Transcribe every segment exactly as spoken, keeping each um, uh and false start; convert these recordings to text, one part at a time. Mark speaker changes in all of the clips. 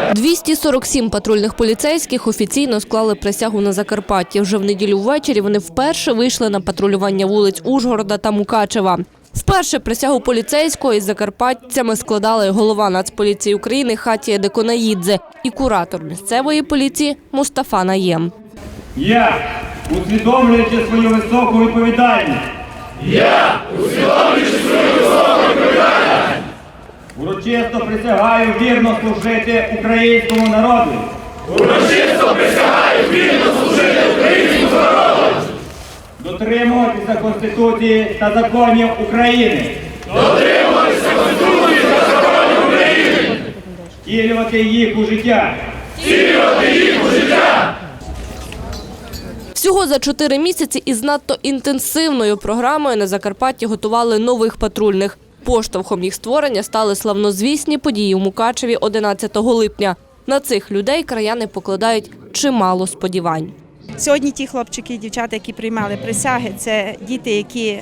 Speaker 1: двісті сорок сім патрульних поліцейських офіційно склали присягу на Закарпатті. Вже в неділю ввечері вони вперше вийшли на патрулювання вулиць Ужгорода та Мукачева. Вперше присягу поліцейського із закарпатцями складали голова Нацполіції України Хатія Деконаїдзе і куратор місцевої поліції Мустафа Наєм.
Speaker 2: Я, усвідомлюючи свою високу відповідальність,
Speaker 3: Я, усвідомлюючи свою високу відповідальність,
Speaker 2: урочисто присягаю вірно служити українському народу,
Speaker 3: урочисто присягаю вірно служити українському народу,
Speaker 2: дотримуватися Конституції та законів України,
Speaker 3: дотримуватися Конституції та законів України,
Speaker 2: втілювати їх у життя,
Speaker 3: втілювати їх у життя.
Speaker 1: Всього за чотири місяці із надто інтенсивною програмою на Закарпатті готували нових патрульних. Поштовхом їх створення стали славнозвісні події у Мукачеві одинадцятого липня. На цих людей краяни покладають чимало сподівань.
Speaker 4: Сьогодні ті хлопчики і дівчата, які приймали присяги, це діти, які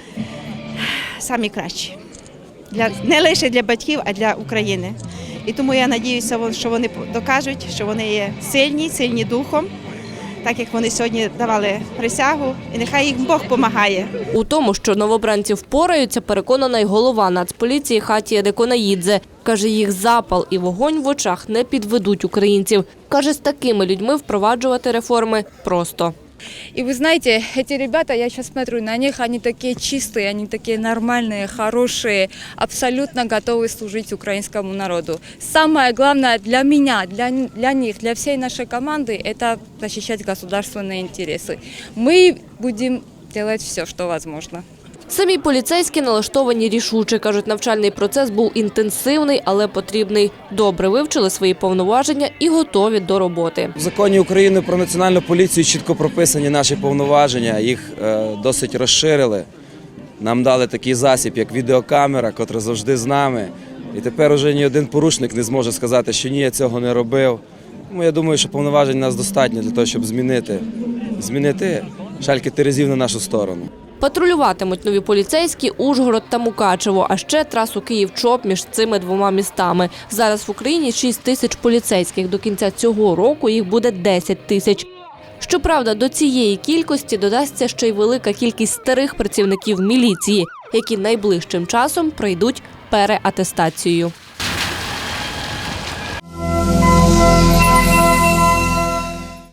Speaker 4: самі кращі. Для, не лише для батьків, а для України. І тому я сподіваюся, що вони докажуть, що вони є сильні, сильні духом, так як вони сьогодні давали присягу, і нехай їм Бог допомагає.
Speaker 1: У тому, що новобранці впораються, переконана й голова Нацполіції Хатія Деконаїдзе. Каже, їх запал і вогонь в очах не підведуть українців. Каже, з такими людьми впроваджувати реформи просто.
Speaker 5: И вы знаете, эти ребята, я сейчас смотрю на них, они такие чистые, они такие нормальные, хорошие, абсолютно готовы служить украинскому народу. Самое главное для меня, для, для них, для всей нашей команды – это защищать государственные интересы. Мы будем делать все, что возможно.
Speaker 1: Самі поліцейські налаштовані рішуче. Кажуть, навчальний процес був інтенсивний, але потрібний. Добре вивчили свої повноваження і готові до роботи.
Speaker 6: В законі України про національну поліцію чітко прописані наші повноваження, їх е, досить розширили. Нам дали такий засіб, як відеокамера, котра завжди з нами. І тепер уже ні один порушник не зможе сказати, що ні, я цього не робив. Тому я думаю, що повноважень у нас достатньо для того, щоб змінити, змінити шальки терезів на нашу сторону.
Speaker 1: Патрулюватимуть нові поліцейські Ужгород та Мукачево, а ще трасу Київ-Чоп між цими двома містами. Зараз в Україні шість тисяч поліцейських. До кінця цього року їх буде десять тисяч. Щоправда, до цієї кількості додасться ще й велика кількість старих працівників міліції, які найближчим часом пройдуть переатестацію.